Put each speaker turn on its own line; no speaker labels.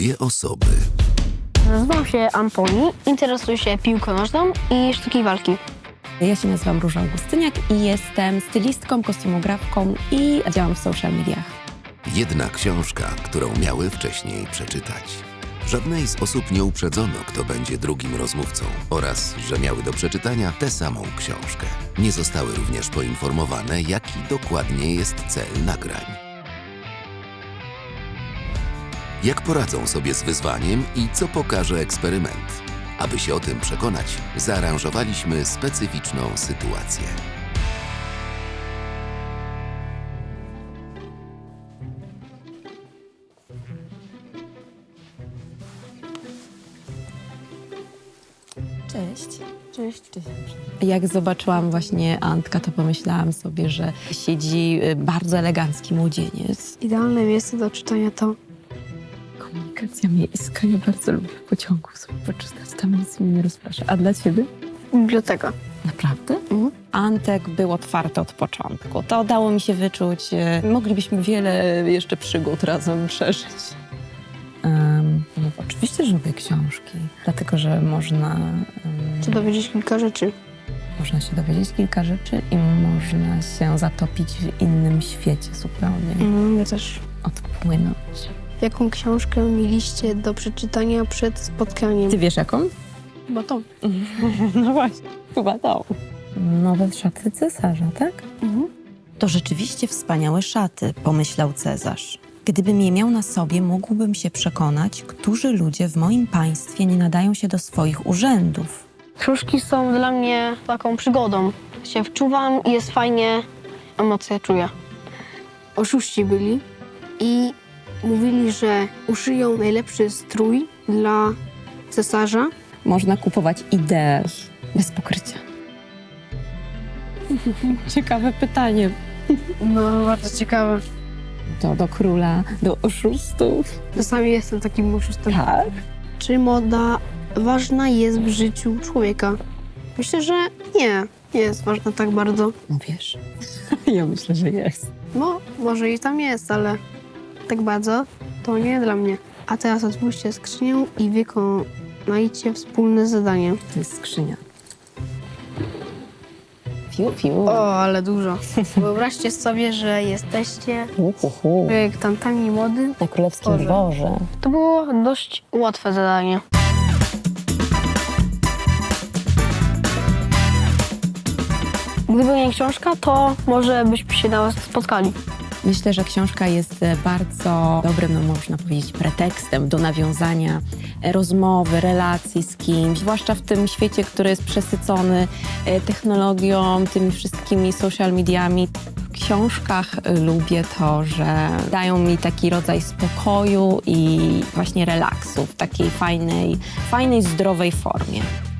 Dwie osoby.
Nazywam się Antoni, interesuję się piłką nożną i sztuki walki.
Ja się nazywam Róża Augustyniak i jestem stylistką, kostiumografką i działam w social mediach.
Jedna książka, którą miały wcześniej przeczytać. Żadnej z osób nie uprzedzono, kto będzie drugim rozmówcą oraz, że miały do przeczytania tę samą książkę. Nie zostały również poinformowane, jaki dokładnie jest cel nagrań. Jak poradzą sobie z wyzwaniem i co pokaże eksperyment? Aby się o tym przekonać, zaaranżowaliśmy specyficzną sytuację.
Cześć.
Cześć.
Jak zobaczyłam właśnie Antka, to pomyślałam sobie, że siedzi bardzo elegancki młodzieniec.
Idealne miejsce do czytania to
Komunikacja miejska. Ja bardzo lubię w pociągu sobie poczytać. Tam nic mnie nie rozprasza. A dla ciebie?
biblioteka.
Naprawdę? Antek był otwarty od początku. To dało mi się wyczuć. Moglibyśmy wiele jeszcze przygód razem przeżyć. No, oczywiście, że lubię książki, dlatego że można
Dowiedzieć kilka rzeczy.
się dowiedzieć kilka rzeczy i można się zatopić w innym świecie zupełnie,
Ja też.
odpłynąć.
Jaką książkę mieliście do przeczytania przed spotkaniem?
Ty wiesz jaką?
Chyba to.
No właśnie, chyba to. Nowe szaty cesarza, tak?
To rzeczywiście wspaniałe szaty, pomyślał Cezarz. Gdybym je miał na sobie, mógłbym się przekonać, którzy ludzie w moim państwie nie nadają się do swoich urzędów.
Książki są dla mnie taką przygodą. Się wczuwam i jest fajnie, emocje czuję. Oszuści byli i mówili, że uszyją najlepszy strój dla cesarza.
Można kupować ideę bez pokrycia. Ciekawe pytanie.
No, bardzo ciekawe.
To do króla, do oszustów.
Czasami jestem takim oszustem.
Tak?
Czy moda ważna jest w życiu człowieka? Myślę, że nie jest ważna tak bardzo.
No wiesz, ja myślę, że jest.
No, może i tam jest, ale tak bardzo to nie dla mnie. A teraz otwórzcie skrzynię i wykonajcie wspólne zadanie.
To jest skrzynia. Fiu, fiu.
O, ale dużo. Wyobraźcie sobie, że jesteście projektantami mody.
Na królewskim
Boże.
dworze.
To było dość łatwe zadanie. Gdyby nie książka, to może byśmy się nawet spotkali.
Myślę, że książka jest bardzo dobrym, no można powiedzieć, pretekstem do nawiązania rozmowy, relacji z kimś, zwłaszcza w tym świecie, który jest przesycony technologią, tymi wszystkimi social mediami. W książkach lubię to, że dają mi taki rodzaj spokoju i właśnie relaksu w takiej fajnej, zdrowej formie.